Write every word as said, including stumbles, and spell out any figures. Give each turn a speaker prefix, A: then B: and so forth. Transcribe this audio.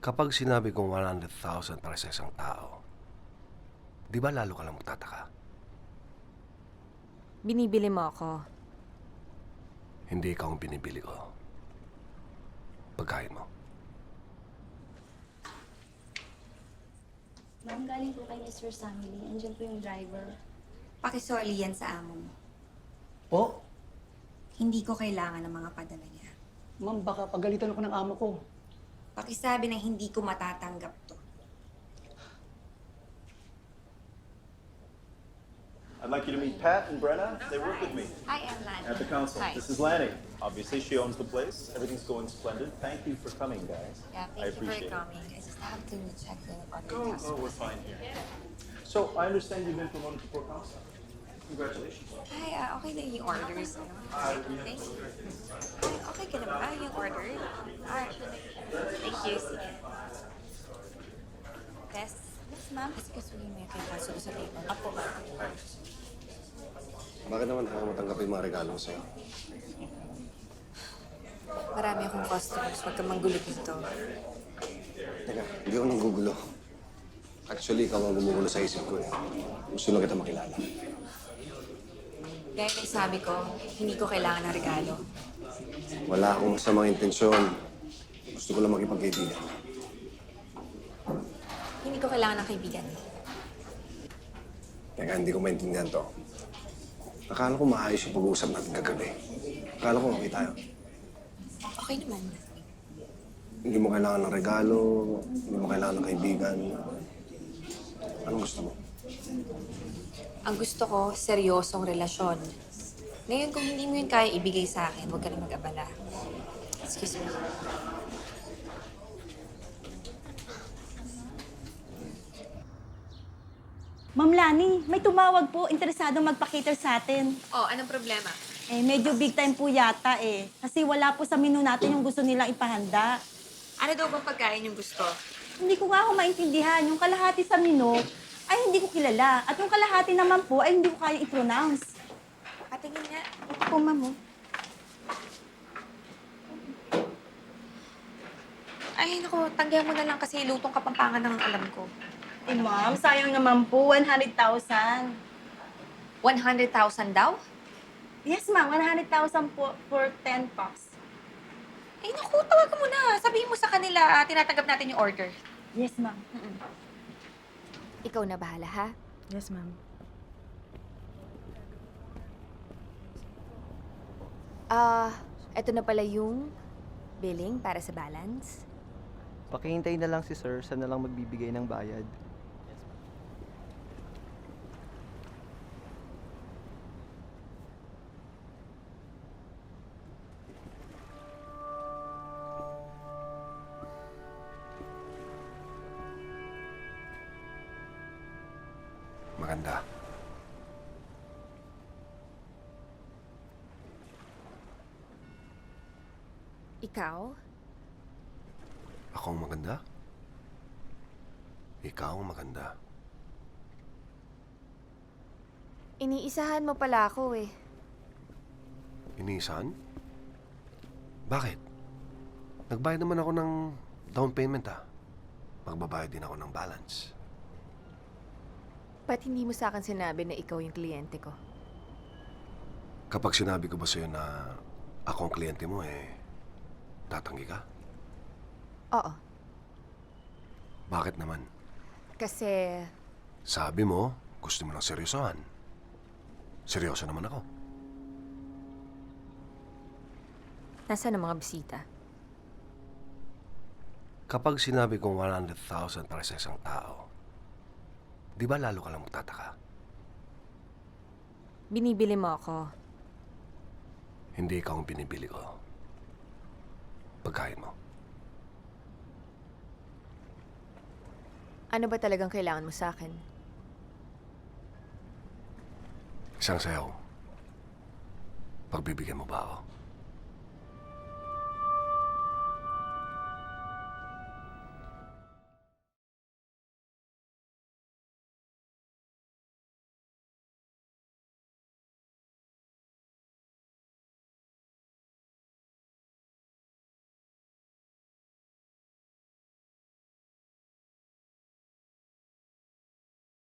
A: Kapag sinabi kong one hundred thousand para sa isang tao, di ba lalo ka lang magtataka?
B: Binibili mo ako.
A: Hindi ikaw ang binibili ko. Pagkain mo.
C: Ma'am, galing po kay mister Sammy. Andiyan po yung driver.
D: Pakisoli yan sa amo mo.
E: Po?
D: Hindi ko kailangan ng mga padala niya.
E: Ma'am, baka pagalitan ako ng amo ko.
D: Pakisabi na hindi ko matatanggap to.
F: I'd like you to meet Pat and Brenna. They work with me
D: I am Lana.
F: at the council.
D: Hi.
F: This is Lanny. Obviously, she owns the place. Everything's going splendid. Thank you for coming, guys.
D: Yeah,
F: I
D: thank you
F: appreciate
D: for
F: it.
D: coming. I just have to check in on the
F: Oh, oh,
D: customer.
F: we're fine here. So, I understand you've been promoted to port council. Congratulations.
D: Hi, ah, okay na yung orders. Ano? Thank you. Ay, okay ka na ba yung order? Ah, thank you. Sige. Yes. Yes, ma'am. Excuse me, may kay kaso sa table. Apo, ma'am.
A: Bakit naman ako matanggap yung mga regalo ko sa'yo?
D: Marami akong customers. Huwag ka manggulo dito.
A: Teka, hindi ako nanggugulo. Actually, ikaw ang gumugulo sa isip ko eh. Gusto lang kita makilala.
D: Gaya ng sabi ko, hindi ko kailangan ng regalo.
A: Wala akong masamang intensyon. Gusto ko lang makipagkaibigan.
D: Hindi ko kailangan ng kaibigan.
A: Teka, hindi ko maintindihan to. Akala ko maayos yung pag-uusap natin kagabi. Akala ko okay tayo.
D: Okay naman.
A: Hindi mo kailangan ng regalo, hindi mo kailangan ng kaibigan. Anong gusto mo?
D: Ang gusto ko, seryosong relasyon. Ngayon, kung hindi mo yun kaya ibigay sa akin, huwag ka na mag-abala. Excuse me.
G: Ma'am Lani, may tumawag po, interesadong magpa-cater sa atin.
D: Oh, anong problema?
G: Eh, medyo big time po yata eh. Kasi wala po sa menu natin yung gusto nilang ipahanda.
D: Ano daw bang pagkain yung gusto?
G: Hindi ko nga ako maintindihan. Yung kalahati sa menu ay hindi ko kilala. At yung kalahati naman po ay hindi ko kaya i-pronounce.
D: Patingin nga.
G: Ito po, ma'am. oh.
D: Ay, naku, tanggihan mo na lang kasi lutong kapampangan ng alam ko.
G: Eh, ma'am, sayang naman po. one hundred thousand.
D: one hundred thousand daw?
G: Yes, ma'am. one hundred thousand po for ten packs.
D: Ay, naku, tawagan mo na. Sabihin mo sa kanila, ah, tinatanggap natin yung order.
G: Yes, ma'am.
D: Ikaw na bahala, ha?
G: Yes, ma'am.
B: Ah, eto na pala yung billing para sa balance.
H: Pakihintay na lang si sir, siya na lang magbibigay ng bayad.
A: Maganda.
B: Ikaw?
A: Ako ang maganda? Ikaw ang maganda.
B: Iniisahan mo pala ako eh.
A: Inisan? Bakit? Nagbayad naman ako ng down payment ah. Magbabayad din ako ng balance.
B: Ba't hindi mo sa akin sinabi na ikaw yung kliyente ko?
A: Kapag sinabi ko ba sa'yo na ako ang kliyente mo eh, tatanggi ka?
B: Oo.
A: Bakit naman?
B: Kasi
A: Sabi mo, gusto mo ng seryosohan. Seryoso naman ako.
B: nasaan ang mga bisita?
A: Kapag sinabi kong one hundred thousand para sa isang tao, di ba lalo ka lang magtataka?
B: Binibili mo ako.
A: Hindi ikaw ang binibili ko. Pagkain mo.
B: Ano ba talagang kailangan mo sa akin?
A: Isang sayaw. Pagbibigyan mo ba ako?